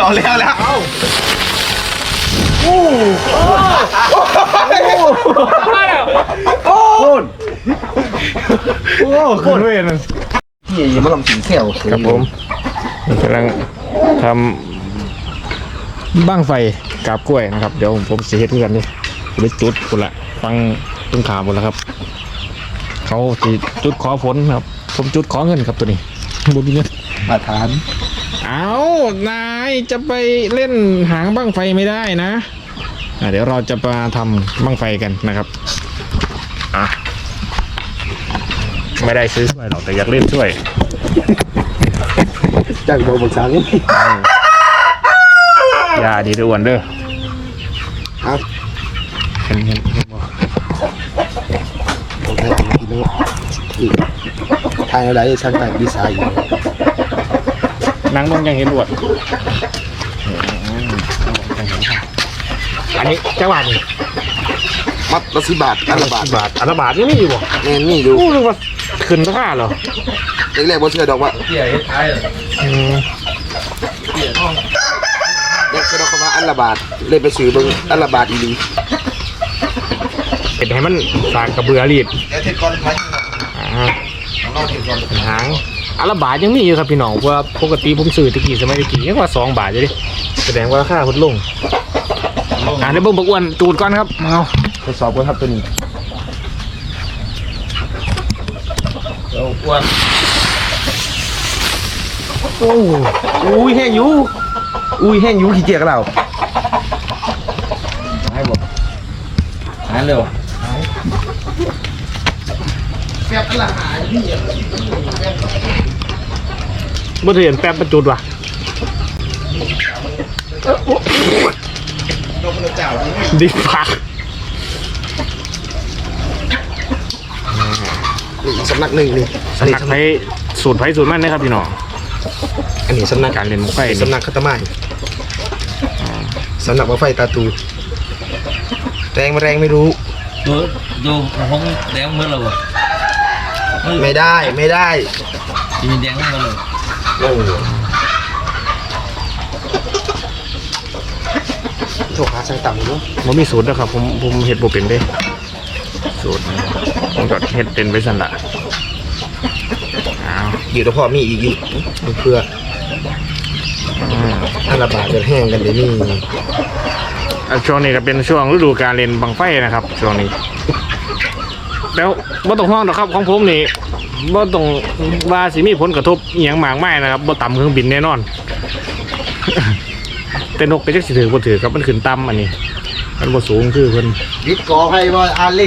เอาแล้วโอ้ขึ้นเวรพี่ยังไม่ลองกินแก้วครับผมกำลังทำบ้างไฟกาบกล้วยนะครับเดี๋ยวผมเสียเหตุกันนี่ไปจุดคนละฟังต้นขาหมดแล้วครับเขาจุดขอฝนครับผมจุดขอเงินครับตัวนี้บุญเงินมาทานเอานายจะไปเล่นหางบ้างไฟไม่ได้นะเดี๋ยวเราจะมาทำบ้างไฟกันนะครับไม่ได้ซื้อช่วยหรอกแต่อยากเล่นช่วยจากโดนบังคับยาดีด้วยอ้วนเด้อครับเห็นบ่ผมให้กินแล้วทางอะไรช่างแต่งดีไซน์นั่งลงยังเห็นอวดอันนี้เจ้าบาทนี่มัดละ10 บาทอันละบาทอันละบาทนี่มีอยู่บ่แม่นี่อยู่นึกว่าขึ้นราคาเหรอแรกๆบ่เชื่อดอกว่าเตี้ยเฮ็ดท้ายเตี้ยท้องเด็กก็ดอกว่าอันละบาทเลยไปซื้อเบิ่งอันละบาทอีหลีเฮ็ดให้มันสากกระเบือรีดเดี๋ยวเฮ็ดก่อนพันหางอันละบาทยังมีอยู่ครับพี่น้องเพราะว่าปกติผมซื้อตะกี้สมัยตะกี้ยังว่า2 บาทอยู่ดิแสดงว่าราคาลดลงเดี๋ยวเบิ่งบักอ้วนจูดก่อนครับเอาทดสอบก่อนครับตัวนี้อ้วนอุ้ยแห้งอยู่ขี้เกียจกับเราหายบ่หายเร็วแป๊บละหายพี่บ่เห็นแป๊บประจุดว่ะดิพักสำนักหนึ่งนี่สำนักไฟสูตรมันนะครับพี่น้องอันนี้สำนักการเล่นมุกไฟสำนักคาตาไม้สำนักว่าไฟตาตูแรงไม่รู้ดูห้องแดงเมื่อไหร่วะไม่ได้มีแดงเมื่อไหร่โถขาใส่ต่ำด้วยมันมีสูตรนะครับผมเห็ดโบเป็นได้สูตรผมก็เห็ดเป็นไปสั่นละอยู่ตัวพ่อมีอีกอยู่เพื่ออันละบาทจะแห้งกันเดี๋ยวนี้ช่วงนี้ก็เป็นช่วงฤดูการเล่นบังไฟนะครับช่วงนี้แล้วบ่ต้องห่วงหรอกครับของผมนี่บ่ต้องว่าสิมีผลกระทบอหย่างมากมายนะครับบ่ต่ำเครื่องบินแน่นอนแต่นกไปจักสิถือบ่ถือครับมันขึ้นต่ำอันนี้มันบ่สูงคือเพิ่นวิทย์ก่อไฟว่าอาลิง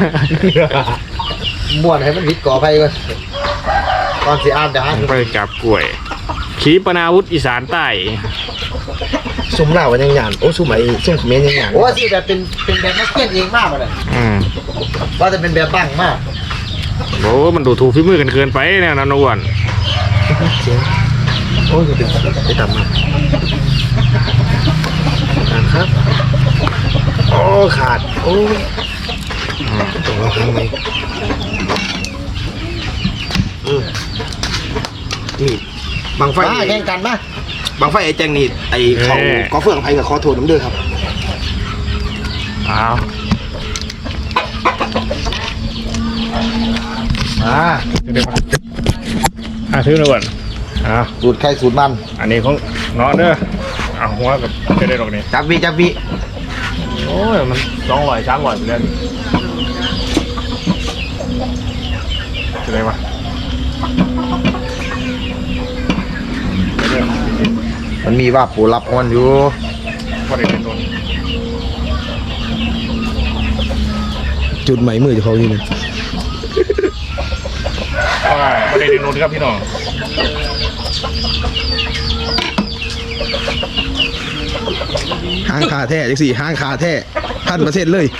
ม่วนให้มันวิทย์ก่อไฟก่อนตอนสิอาดาไปจับกล้วยขีปนาวุธอีสานใต้ซุ่มเหล้ากันยังหยานโอ้ซุ่มไอ้ซุ่มเขมรยังหยานโอ้สิแบบเป็นแบบนักเก็ตเองมากเลยว่าจะเป็นแบบบังมากโอ้มันดูถูกฝีมือกันเกินไปเนี่ยนะนวลโอ้ยไปต่ำมากครับโอ้ขาดโอ้ตัวเราทำไมนี่บังไฟแข่งกันปะบังไฟไอ้แจงนี่ไอ้เขาก็เฟื่องไผ่กับคอโถน้ำเดือครับอ้าวเดี๋ยวซื้อหน่อยสูตรไข่สูตรมันอันนี้ของน้องเด้อหัวกับจะได้ดอกนี้จับวีโอ้ยมัน200-300ไปเลยจะได้ปะมันมีว่าปูรับมันอยู่พอได้เป็นต้นจุดใหม่มือจะเขานี่นะพอได้เป็นต้นครับพี่น้องห้างคาแท้จังสี่ห้างคาแท้1,000%เลย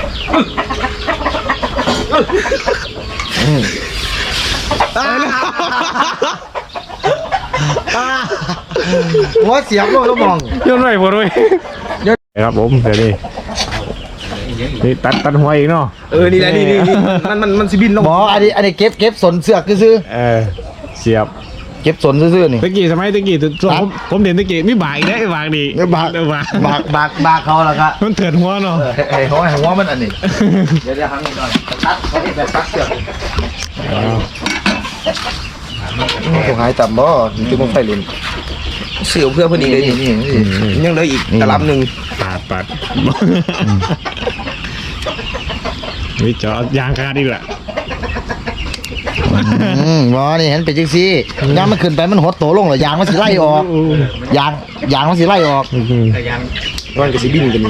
หัวเสียบโลกมองย้อนไหวพอด้วยครับผมเดี๋ยวนี่ตัดหัวอีกเนาะนี่แหละนี่มันสิบินลงหมออันนี้เก็บสนเสือกซื้อเสียบเก็บสนซื่อๆนี่ตะกี้สมัยตะกี้ช่วงผมเด่นตะกี้มีบากอีกได้บากดีบากบากบากเขาแล้วครับมันเถื่อนหัวเนาะไอ้หัวมันอันนี้เดี๋ยวครั้งนี้ก่อนตัดเขาที่แบบตัดเสือกผมหายต่ำบ่ที่ผมไฟลินเสียวเพื่อพอดีเลยนี่ยังเหลืออีกตลับหนึ่งปาดวิจอดยางขาดอีกแหละบ่นี่เห็นเป็นจังซี่ยางมันขึ้นไปมันหดโตลงเหรอยางมันสิไล่ออกยางมันสิไล่ออกยางมันก็สิบินกัน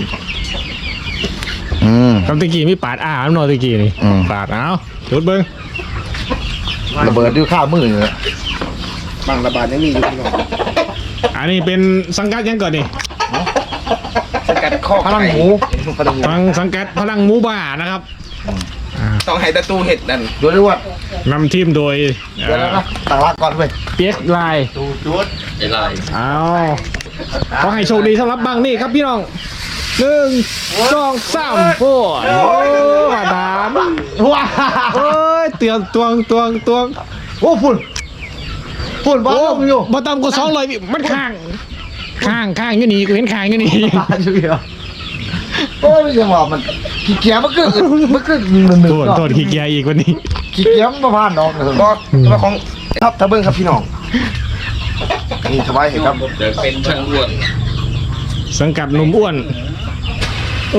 คำตะกี้มีปาดอ้ามันนอนตะกี้นี่ปาดเอาจุดเบิ้งระเบิดด้วยข้าวมือเลยบางระบาดยังมีอยู่พี่น้องอันนี้เป็นสังกัดยังก่อนนี่สังกัดข้อพลังหมูฟังสังกัดพลังหมูบ้านะครับต้องให้ตะตูเห็ดนั่นดูด้วยว่านำทีมโดยเดี๋ยวนะตั้งรักก่อนเว้ยเปียกลายไอ้ลายเอาขอให้โชคดีสำหรับบังนี่ครับพี่น้อง1 2 3โอ้มาดามว้าโอ้ยเตือนตวงโอ้ฝุ่นบ้าโอ้ลมอยู่มาตามกู200พี่มันข้างอยู่นี่กูเห็นข้างอยู่นี่ตายอยู่เดียวโอ้ยไม่ใช่ว่ามันขี้เกียจมันขึ้นหนึ่งโทษขี้เกียจอีกวันนี้ขี้เกียจมันมาผ่านดอกก็ตัวของครับตะเบิ้งครับพี่น้องนี่สบายเห็นครับเดี๋ยวเป็นช่างอ้วนสังกัดหนุ่มอ้วนโอ้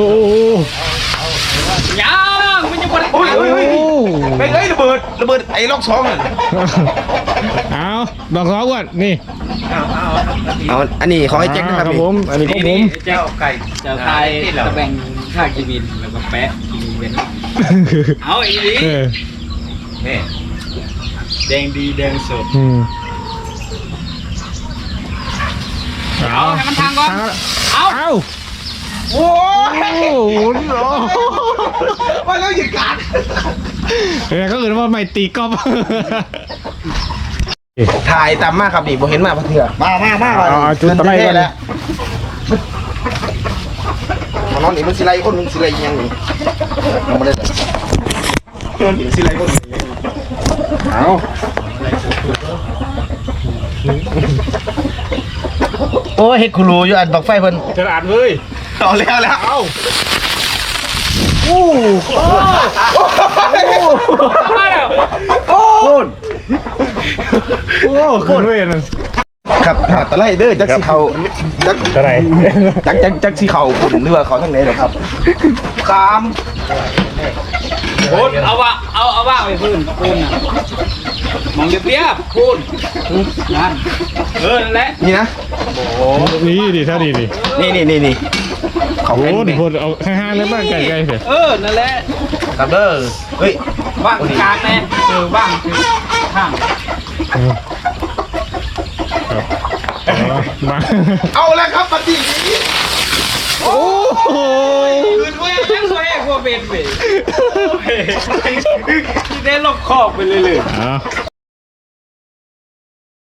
ยังมันยังบ่ได้โอ้ยไปเลยระเบิดไอ้ล็อกสองอ่ะเอาดอกสองอ้วนนี่เอาอันนี้ขอให้แจ็คนะครับผมอันนี้ของผมเจ้าไก่เจ้าไก่จะแบ่งค่ากีบินแล้วก็แปะกีบินเอาอีนี้เออนี่แดงดีแดงสดเอาให้มันทางก่อนเอาโอ้ยว่าแล้วหยุดการก็อื่นว่าไม่ตีกอล์ฟถ่ายตามมากครับนี่ผมเห็นมาเถื่อมาจุดตะไลก่อนแล้วนอนนี่มันสิไลคนนึงสิไลยังนี่ยังไม่ได้นอนนี่สิไลคนนึงเอาโอ้เฮ็ดคูรูอยู่อันบักไฟเพิ่นกระดาษเลยเอาแล้วเอาโอ้ขึ้นเวรครับตะไลเด้อจักสิเขาจักอะไรจักสิเขาคุณหรือว่าเขาทั้งไหนหรอครับคามพูนเอาว่าไปพูนน่ะมองเรียบพูนนั่นนั่นแหละนี่นะนี่ดิเท่านี้ดินี่เขาโอ้เป็นโหเอาห้างๆเลยบ้างไกลๆเถอะนั่นแหละครับเด้อเฮ้ยว่างกลางแน่ว่างข้างมาเอาแล้วครับปฏินี้โอ้โหคืนเว้ยยังสวยกว่าเป็นเว้ยได้ลอกขอบไปเลยเอา